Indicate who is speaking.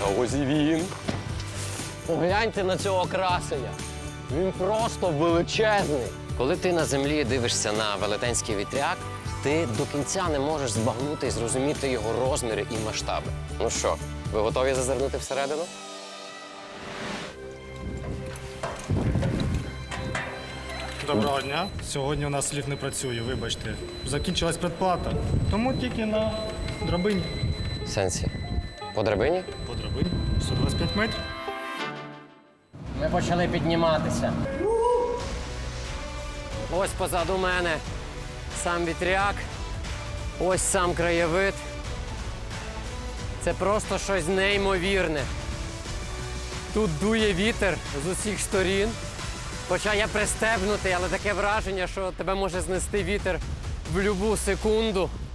Speaker 1: ось і він. Погляньте на цього красення. Він просто величезний. Коли ти на землі дивишся на велетенський вітряк, ти до кінця не можеш збагнути і зрозуміти його розміри і масштаби. Ну що, ви готові зазирнути всередину?
Speaker 2: Доброго дня. Сьогодні у нас ліфт не працює, вибачте. Закінчилась предплата. Тому тільки на драбині.
Speaker 1: В сенсі? По драбині?
Speaker 2: По драбині. 125 метрів.
Speaker 1: Ми почали підніматися. Ось позаду мене сам вітряк, ось сам краєвид. Це просто щось неймовірне. Тут дує вітер з усіх сторін. Хоча я пристебнутий, але таке враження, що тебе може знести вітер в будь-яку секунду.